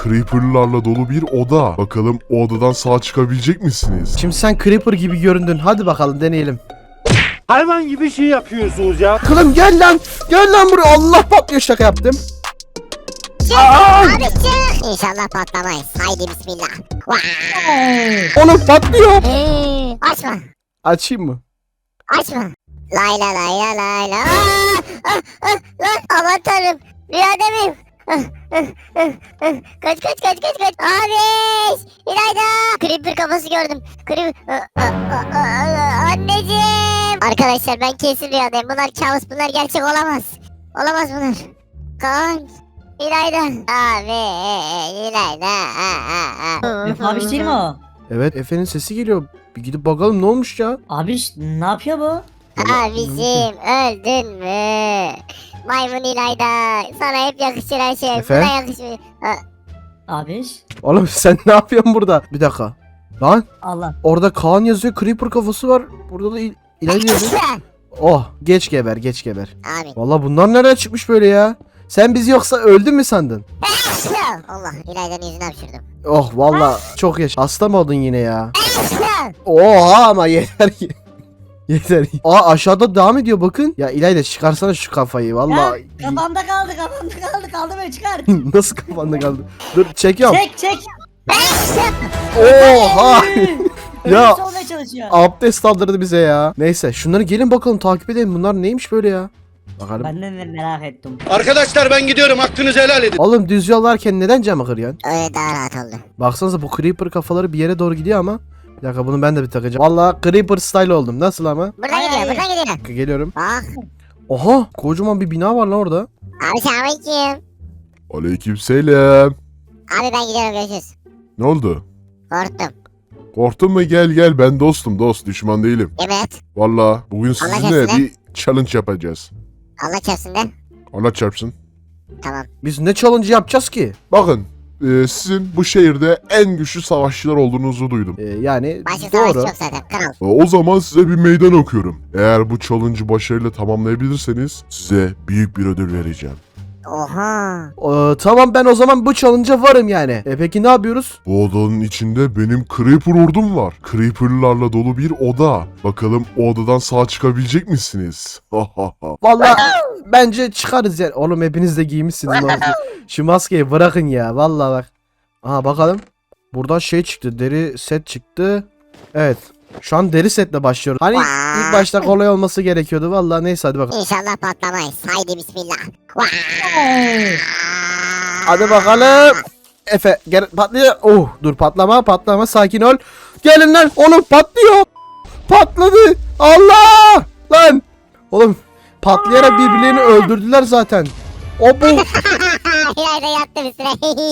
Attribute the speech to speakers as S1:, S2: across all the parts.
S1: Creeper'larla dolu bir oda. Bakalım o odadan sağ çıkabilecek misiniz?
S2: Şimdi sen Creeper gibi göründün. Hadi bakalım deneyelim.
S3: Hayvan gibi şey yapıyorsunuz ya.
S2: Kılım gel lan. Gel lan buraya. Allah patlıyor, şaka yaptım.
S4: Abi çık. İnşallah patlamayız. Haydi bismillah.
S2: Oğlum patlıyor.
S4: Açma.
S2: Açayım mı?
S4: Açma. Lay la lay la lay la. Lan aman tanrım. Rüyada mıyım? Kaç. Abi. İlayda. Creeper kafası gördüm. Anneciğim. Arkadaşlar ben kesin rüyadayım. Bunlar kabus, bunlar gerçek olamaz. Olamaz bunlar. Kaan. İlayda. Abi. İlayda.
S5: Abi değil mi o?
S2: Evet, Efe'nin sesi geliyor. Bir gidip bakalım ne olmuş ya.
S5: Abi ne yapıyor bu?
S4: Abicim öldün mü? Maymun İlayda. Sana hep yakışır her şey.
S2: Efe?
S4: Buna yakışmıyor.
S5: Abi
S2: Oğlum sen ne yapıyorsun burada? Bir dakika. Lan
S5: Allah.
S2: orada Kaan yazıyor. Creeper kafası var. Burada da İlayda yazıyor. Oh, geç geber.
S4: Abi.
S2: Vallahi bunlar nereden çıkmış böyle ya? Sen bizi yoksa öldün mü sandın?
S4: Allah İlayda'nın yüzüne hapşırdım.
S2: Oh vallahi çok yaş. Hasta mı oldun yine ya? Oha ama yeter ki. Yeter. Aa aşağıda devam ediyor bakın. Ya İlayda çıkarsana şu kafayı vallahi.
S5: Kafamda kaldı böyle çıkar.
S2: Nasıl kafanda kaldı? Dur çekiyorum.
S5: Çek.
S2: Oha. Ya
S5: Olmaya çalışıyor.
S2: abdest aldırdı bize ya. Neyse şunları gelin bakalım takip edelim. Bunlar neymiş böyle ya? Bakalım.
S5: Ben de merak ettim.
S6: Arkadaşlar ben gidiyorum, hakkınızı helal edin.
S2: Oğlum düz yol varken neden camı kırıyorsun?
S4: Öyle daha rahat oldu.
S2: Baksanıza bu Creeper kafaları bir yere doğru gidiyor ama. Bir dakika bunu ben de bir takacağım. Vallahi Creeper style oldum. Nasıl ama?
S4: Buradan gidiyor.
S2: Geliyorum.
S4: Bak.
S2: Oha kocaman bir bina var lan orada.
S4: Abi selamünaleyküm.
S1: Aleykümselam.
S4: Abi ben gidiyorum, görüşürüz.
S1: Ne oldu?
S4: Korktum.
S1: Korktun mu? Gel ben dostum, düşman değilim.
S4: Evet.
S1: Valla bugün sizinle
S4: çarpsın
S1: bir challenge yapacağız.
S4: Allah çarpsın de.
S1: Allah çarpsın.
S4: Tamam.
S2: Biz ne challenge yapacağız ki?
S1: Bakın sizin bu şehirde en güçlü savaşçılar olduğunuzu duydum.
S2: Yani
S4: Başka savaş
S2: doğru.
S4: yok zaten. Kral.
S1: O zaman size bir meydan okuyorum. Eğer bu challenge'ı başarıyla tamamlayabilirseniz size büyük bir ödül vereceğim.
S4: Oha.
S2: Tamam ben o zaman bu challenge'a varım yani. Peki ne yapıyoruz?
S1: Bu odanın içinde benim Creeper ordum var. Creeper'larla dolu bir oda. Bakalım o odadan sağ çıkabilecek misiniz?
S2: Vallahi bence çıkarız yani. Oğlum hepiniz de giymişsiniz. Şu maskeyi bırakın ya. Vallahi bak. Aha bakalım. Buradan şey çıktı. Deri set çıktı. Evet. Şu an deri setle başlıyoruz. Hani ilk başta kolay olması gerekiyordu. Vallahi neyse hadi bakalım.
S4: İnşallah patlamayız. Haydi bismillah.
S2: Hadi bakalım. Efe gel patlıyor. Oh dur patlama sakin ol. Gelin lan oğlum patlıyor. Patladı. Allah lan. Oğlum patlayarak birbirlerini öldürdüler zaten. O bu.
S4: İlayda yattı üstüne.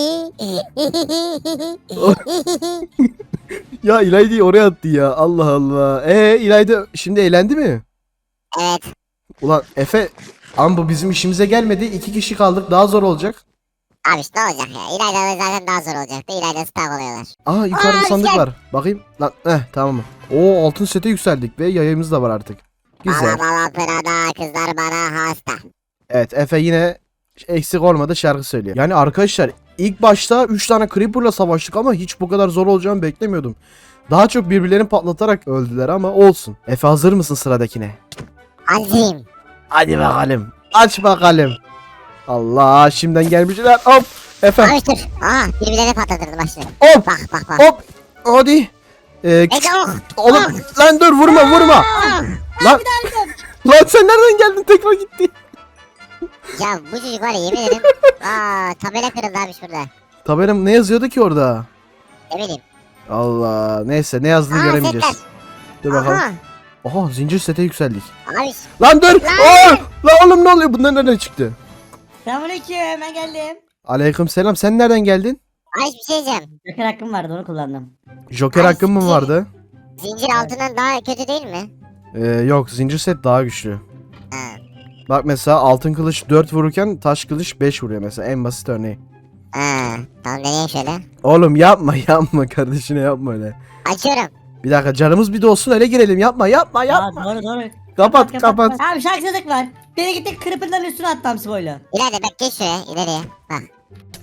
S2: Ya İlayda'yı oraya attı ya. Allah Allah. İlayda şimdi eğlendi mi?
S4: Evet.
S2: Ulan Efe ama bu bizim işimize gelmedi. 2 kişi kaldık. Daha zor olacak.
S4: Abi işte ne olacak ya? İlayda zaten daha zor olacaktı. İlayda staff oluyorlar.
S2: Aa yukarıda
S4: Aa,
S2: sandık
S4: gel.
S2: var. Bakayım. Lan tamam. Oo altın sete yükseldik ve yayımız da var artık. Güzel.
S4: Bala pırada kızlar bana hasta.
S2: Evet Efe yine eksik olmadı şarkı söylüyor. Yani arkadaşlar ilk başta 3 tane Creeper'la savaştık ama hiç bu kadar zor olacağını beklemiyordum. Daha çok birbirlerini patlatarak öldüler ama olsun. Efe hazır mısın sıradakine?
S4: Hazırım.
S2: Hadi bakalım. Aç bakalım. Allah şimdiden gelmişler. Hop. Efe.
S4: Abi dur. Aa birbirlerine patlatırdı başını.
S2: Hop.
S4: Bak.
S2: Hop. Hadi.
S4: Ece oh.
S2: Oğlum lan dur vurma. Lan. Lan sen nereden geldin tekrar gitti.
S4: Ya bu çocuk var ya yemin ederim. Tabela kırıldı abi şurada.
S2: Tabelam ne yazıyordu ki orada?
S4: Ne bileyim.
S2: Allah neyse ne yazdığını göremeyeceğiz.
S4: setler.
S2: Dur bakalım.
S4: Aha.
S2: Aha zincir sete yükseldik.
S4: Abi
S2: Lan dur.
S4: Lan!
S2: Lan oğlum ne oluyor? Bunlar nereden çıktı?
S5: Selamünaleyküm, ben geldim.
S2: Aleyküm selam. Sen nereden geldin?
S4: Ay bir şey diyeceğim.
S5: Joker hakkım vardı, onu kullandım.
S2: Joker
S4: Ay,
S2: hakkın mı
S4: siktir.
S2: vardı?
S4: Zincir altından daha kötü değil mi?
S2: Yok zincir set daha güçlü.
S4: Ha.
S2: Bak mesela altın kılıç 4 vururken taş kılıç 5 vuruyor mesela en basit örneği.
S4: Tamam deneyeyim şöyle.
S2: Oğlum yapma kardeşine yapma öyle.
S4: Açıyorum.
S2: Bir dakika canımız bir dolsun öyle girelim yapma.
S5: Aa, doğru.
S2: Kapat.
S5: Abi şarkısızlık var. Beni gitti Creeper'ların üstüne attı hamsi boyla.
S4: İleride bak geç şuraya ileriye. Bak.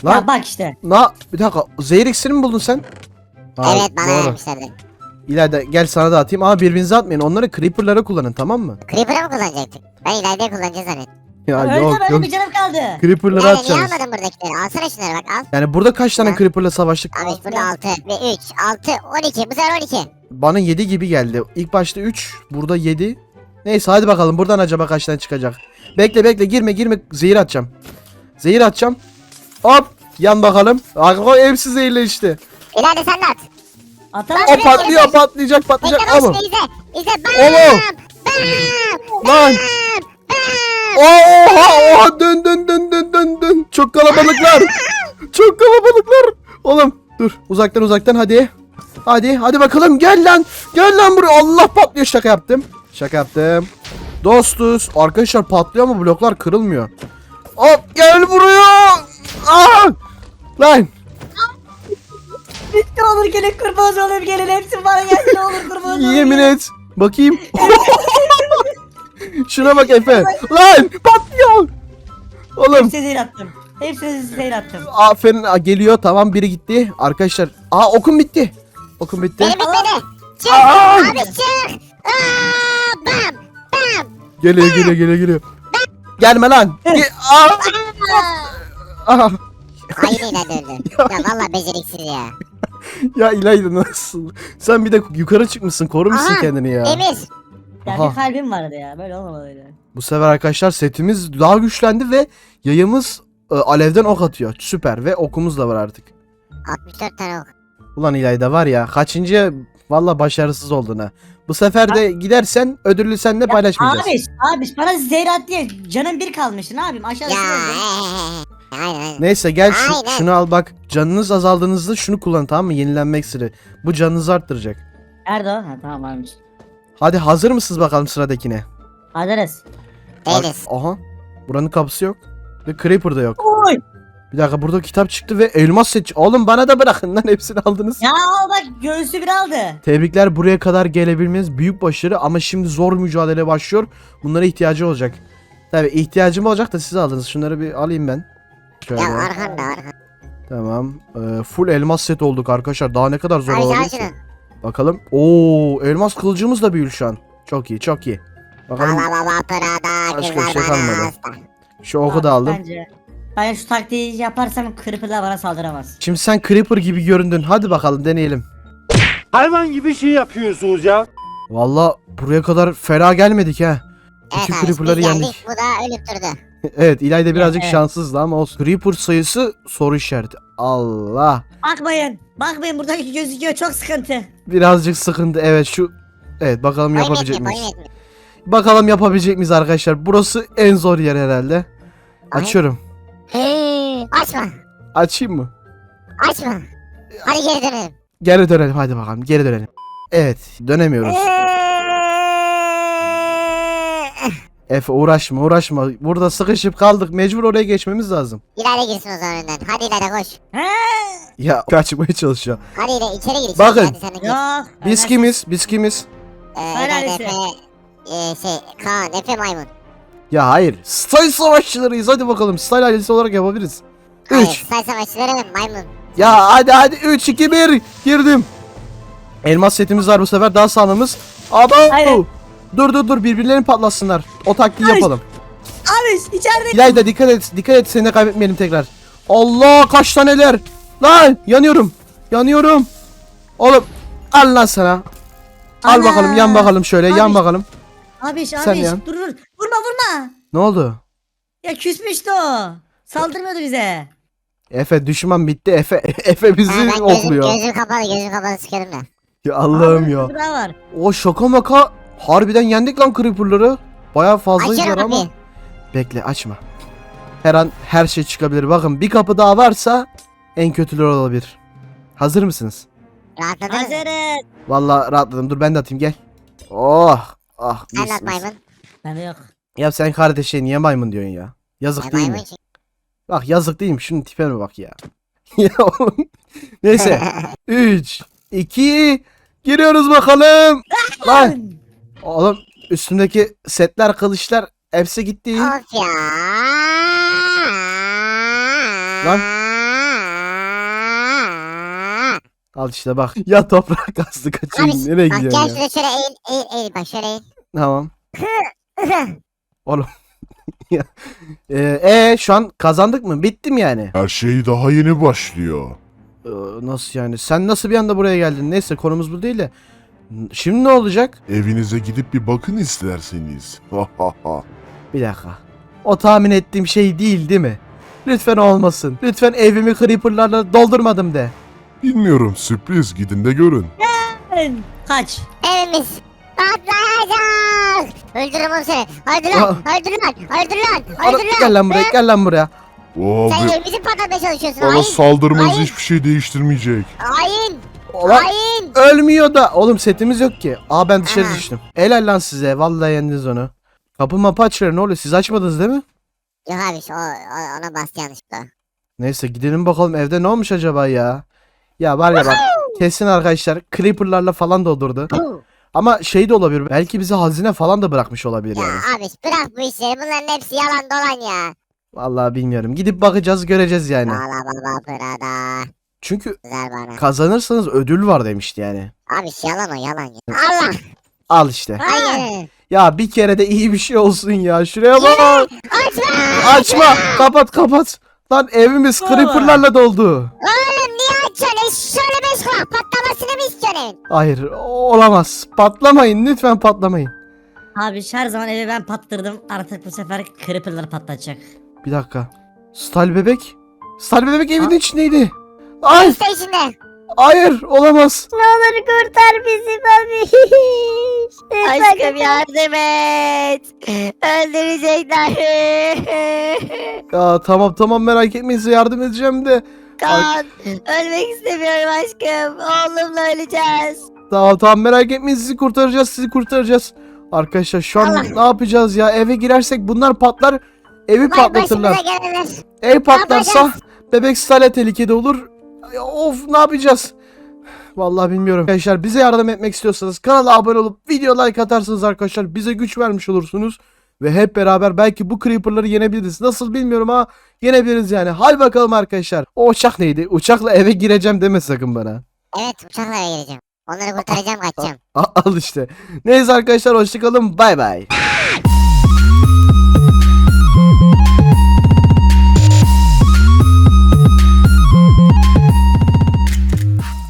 S2: Lan
S5: Ya bak işte.
S2: bir dakika zehir iksiri mi buldun sen? Ha,
S4: Evet bana
S2: doğru.
S4: vermişlerdi.
S2: İlayda gel sana da atayım ama birbirinize atmayın. Onları creeper'lara kullanın, tamam mı?
S4: Creeper'ı mı kullanacaktık? Ben ileride kullanacağız zannettim.
S2: Ya
S5: Öyle
S2: yok
S5: böyle
S2: yok.
S5: bir canım kaldı.
S2: Creeper'lara
S4: Yani niye
S2: atacağız.
S4: almadın buradakileri? Alsana şunları bak al.
S2: Yani burada kaç tane
S4: Ha?
S2: creeper'la savaştık?
S4: Abi burada 6 ve 3, 6, 12. Bu sefer 12.
S2: Bana 7 gibi geldi. İlk başta 3, burada 7. Neyse hadi bakalım buradan acaba kaç tane çıkacak. Bekle girme zehir atacağım. Zehir atacağım. Hop yan bakalım. O hepsi zehirle işte.
S4: İleride sen de at.
S5: Atamam.
S2: O patlıyor patlayacak.
S4: Bekle
S2: Ama.
S4: bak izle. İzle bam.
S2: Oğlum.
S4: Bam.
S2: Lan. Oha dön. Çok kalabalıklar. Çok kalabalıklar. Oğlum dur uzaktan hadi. Hadi bakalım gel lan buraya. Allah patlıyor, şaka yaptım. Dostuz. Arkadaşlar patlıyor ama bloklar kırılmıyor. Hop gel buraya. Lan.
S5: Ne olur gelin kurbanız olayım gelin. Hepsi bana gelsin ne olur kurbanız olayım.
S2: Yemin et. Bakayım. Şuna bak Efe. Lan patlıyor. Oğlum.
S5: Hepsini zehir attım. Hepsini zehir attım.
S2: Aferin geliyor, tamam biri gitti. Arkadaşlar okum bitti. Okum bitti.
S4: Benim bitmedi. Çık.
S2: Aa!
S4: Abi çık. Bam. Bam.
S2: Geliyor. Gelme lan. Aha.
S4: Aynı ileride öldü. Ya valla beceriksiz ya.
S2: Ya İlayda nasıl? Sen bir de yukarı çıkmışsın, korumuşsun
S4: Aha,
S2: kendini ya.
S4: Emir.
S5: Ya
S2: Aha.
S5: bir kalbim vardı ya. Böyle olmamalıydı.
S2: Bu sefer arkadaşlar setimiz daha güçlendi ve yayımız alevden ok atıyor. Süper ve okumuz da var artık.
S4: 64 tane ok.
S2: Ulan İlayda var ya kaçıncı valla başarısız oldun ha. Bu sefer de gidersen ödüllü seninle paylaşmayacağız.
S5: Abi bana zehir at diye canım bir kalmıştı. Ne yapayım aşağıda
S4: Ya.
S5: sürüyorum.
S4: Aynen.
S2: Neyse gel
S4: Aynen.
S2: şunu al bak. Canınız azaldığınızda şunu kullan, tamam mı? Yenilenme iksiri. Bu canınızı arttıracak.
S5: Nerede o? Ha tamam varmış.
S2: Hadi hazır mısınız bakalım sıradakine?
S5: Hazırız.
S4: Değiliz.
S2: Aha. Buranın kapısı yok. Ve Creeper da yok.
S5: Oy.
S2: Bir dakika burada kitap çıktı ve elmas set. Oğlum bana da bırakın lan, hepsini aldınız.
S5: Ya bak göğsü bir aldı.
S2: Tebrikler, buraya kadar gelebilmeniz büyük başarı ama şimdi zor mücadele başlıyor. Bunlara ihtiyacı olacak. Tabi ihtiyacım olacak da siz aldınız. Şunları bir alayım ben. Şöyle.
S4: Ya arkanda.
S2: Tamam. Full elmas set olduk arkadaşlar. Daha ne kadar zor
S4: Abi
S2: olabilir
S4: al
S2: ki?
S4: şunu.
S2: Bakalım. Oo, elmas kılıcımız da büyür şu an. Çok iyi. Bakalım.
S4: Baba Prada
S2: Başka
S4: kızlar
S2: bir şey
S4: bana
S2: kalmadı.
S4: hasta.
S2: Şu oku da aldım.
S5: Ben şu taktiği yaparsam Creeper'lar bana saldıramaz.
S2: Şimdi sen Creeper gibi göründün. Hadi bakalım deneyelim.
S3: Hayvan gibi şey yapıyorsunuz ya.
S2: Valla buraya kadar fena gelmedik ha.
S4: Evet
S2: İki
S4: abi
S2: Creeper'ları
S4: biz geldik,
S2: yendik.
S4: bu da ölüp durdu.
S2: Evet, İlayda birazcık
S5: Evet.
S2: şanssızdı ama olsun. Creeper sayısı soru işareti. Allah.
S5: Bakmayın buradaki gözüküyor çok sıkıntı.
S2: Birazcık sıkıntı. Evet şu. Evet bakalım
S4: Boyun
S2: yapabilecek
S4: yetmiyor,
S2: miyiz?
S4: boyun yetmiyor.
S2: Bakalım yapabilecek miyiz arkadaşlar? Burası en zor yer herhalde.
S4: Ay.
S2: Açıyorum.
S4: Açma.
S2: Açayım mı?
S4: Açma. Hadi geri dönelim.
S2: Geri dönelim, hadi bakalım geri dönelim. Evet, dönemiyoruz. Efe uğraşma. Burada sıkışıp kaldık. Mecbur oraya geçmemiz lazım.
S4: İleride girsin o zaman önden. Hadi ileride koş.
S5: He?
S2: Ya kaçmaya çalışıyor.
S4: Hadi ileride içeri gir. içeri.
S2: Bakın.
S4: Hadi sen de gir.
S5: Yok.
S2: Biz kimiz?
S4: İleride
S5: Neresi?
S4: Kaan, Efe maymun.
S2: Ya hayır. Style savaşçılarıyız. Hadi bakalım. Style ailesi olarak yapabiliriz.
S4: Hayır,
S2: 3.
S4: say savaşçıları maymun.
S2: Ya hadi 3 2 1 girdim. Elmas setimiz var bu sefer, daha sağlamız. Aba.
S5: Hayır.
S2: Dur birbirlerini patlatsınlar. O taktiği
S5: Hayır.
S2: yapalım.
S5: Abi içeride.
S2: İlayda dikkat et seni de kaybetmeyelim tekrar. Allah kaç taneler. Lan yanıyorum. Oğlum al lan sana. Al
S5: Ana.
S2: bakalım, yan bakalım şöyle, yan
S5: Abi.
S2: bakalım.
S5: Abi
S2: Sen yan.
S5: dur. Vurma.
S2: Ne oldu?
S5: Ya küsmüştü o. Saldırmıyordu bize.
S2: Efe düşman bitti. Efe bizi
S4: Ha, ben
S2: okluyor.
S4: gözüm kapalı sıkıyorum da.
S2: Ya Allah'ım
S5: Abi,
S2: ya.
S5: bir daha var.
S2: O şaka maka harbiden yendik lan creeper'ları. Bayağı fazlayız
S4: Açıyorum
S2: ama.
S4: kapıyı.
S2: Bekle, açma. Her an her şey çıkabilir. Bakın bir kapı daha varsa en kötüleri olabilir. Hazır mısınız?
S4: Rahatladınız mı?
S5: Hazırız.
S2: Vallahi rahatladım. Dur ben de atayım, gel. Oh. Ah.
S4: Sen
S2: mis,
S4: at
S2: mis.
S4: maymun.
S5: Bende yok.
S2: Ya sen kardeşe niye maymun diyorsun ya? Yazık değil mi?
S4: Maymun çünkü.
S2: Bak yazık değil mi? Şunun tipine bak ya. Ya oğlum. Neyse. 3 2 giriyoruz bakalım. Lan. Oğlum üstümdeki setler, kılıçlar hepsi gitti.
S4: Of ya.
S2: Lan. Al işte bak. Ya toprak kastı kaçayım.
S4: Abi
S2: Nereye
S4: bak gel
S2: gidiyorsun ya?
S4: şuraya şöyle eğil bak şöyle eğil.
S2: Tamam. Şu an kazandık mı? Bittim yani.
S1: Her şey daha yeni başlıyor.
S2: Nasıl yani? Sen nasıl bir anda buraya geldin? Neyse konumuz bu değil de. Şimdi ne olacak?
S1: Evinize gidip bir bakın isterseniz.
S2: Bir dakika. O tahmin ettiğim şey değil mi? Lütfen olmasın. Lütfen evimi creeperlarla doldurmadım de.
S1: Bilmiyorum, sürpriz, gidin de görün.
S5: Kaç.
S4: Evimiz patlayacak. Öldürürüm onu seni. Öldür lan. Öldür lan. Öldür lan.
S2: Ana,
S4: Öldür lan.
S2: gel lan buraya, gel lan buraya.
S4: Sen
S1: Abi,
S4: evimizi patlatmaya çalışıyorsun.
S1: bana
S4: Hain.
S1: saldırmanız
S4: Hayır.
S1: hiçbir şey değiştirmeyecek.
S4: Hain.
S2: Ulan
S4: Hain.
S2: ölmüyor da. Oğlum setimiz yok ki. Aa ben dışarı
S4: Aha.
S2: düştüm. Helal lan size. Vallahi yendiniz onu. Kapı mapı açıyor. Ne oluyor? Siz açmadınız değil mi?
S4: Yok abi ona bastı yanlışlıkla.
S2: Neyse gidelim bakalım evde ne olmuş acaba ya. Ya var ya bak. Kesin arkadaşlar creeperlarla falan doldurdu. Ama şey de olabilir. Belki bize hazine falan da bırakmış olabilir
S4: Ya
S2: yani.
S4: abi bırak bu işleri. Bunların hepsi yalan dolan ya.
S2: Vallahi bilmiyorum. Gidip bakacağız, göreceğiz yani.
S4: Bala baba burada.
S2: Çünkü
S4: Güzel bana.
S2: kazanırsanız ödül var demişti yani.
S4: Abi yalan o yalan ya. Allah.
S2: Al işte.
S4: Hayır.
S2: Ya bir kere de iyi bir şey olsun ya. Şuraya bak.
S4: Açma.
S2: Açma. Kapat kapat. Lan evimiz creeperlarla doldu.
S4: Oğlum niye açıyorsun? Şöyle beş kulak patlamasını mı istiyorsun?
S2: Hayır olamaz. Patlamayın lütfen patlamayın.
S5: Abi her zaman evi ben pattırdım. Artık bu sefer creeper'lar patlatacak.
S2: Bir dakika. Stal bebek. Stal bebek evin içindeydi. Ay
S4: İşte içinde.
S2: hayır olamaz.
S4: Ne olur kurtar bizi babiş. Aşkım yardım et. Öldürecekler.
S2: Ya tamam merak etmeyin size yardım edeceğim de.
S4: Kaan ölmek istemiyorum aşkım. Oğlumla öleceğiz.
S2: Tamam merak etmeyin sizi kurtaracağız. Arkadaşlar şu an
S4: Allah.
S2: ne yapacağız ya? Eve girersek bunlar patlar. Evi patlatırlar.
S4: Başımıza gelenler.
S2: Ev patlarsa
S4: yapacağız?
S2: bebek Stale tehlikede olur. Ya, of ne yapacağız? Vallahi bilmiyorum. Arkadaşlar bize yardım etmek istiyorsanız kanala abone olup video like atarsınız arkadaşlar. Bize güç vermiş olursunuz. Ve hep beraber belki bu creeper'ları yenebiliriz. Nasıl bilmiyorum ama yenebiliriz yani. Hadi bakalım arkadaşlar. O uçak neydi? Uçakla eve gireceğim deme sakın bana.
S4: Evet uçakla geleceğim. Onları kurtaracağım kaçacağım.
S2: Al işte. Neyse arkadaşlar hoşçakalın. Bay bay.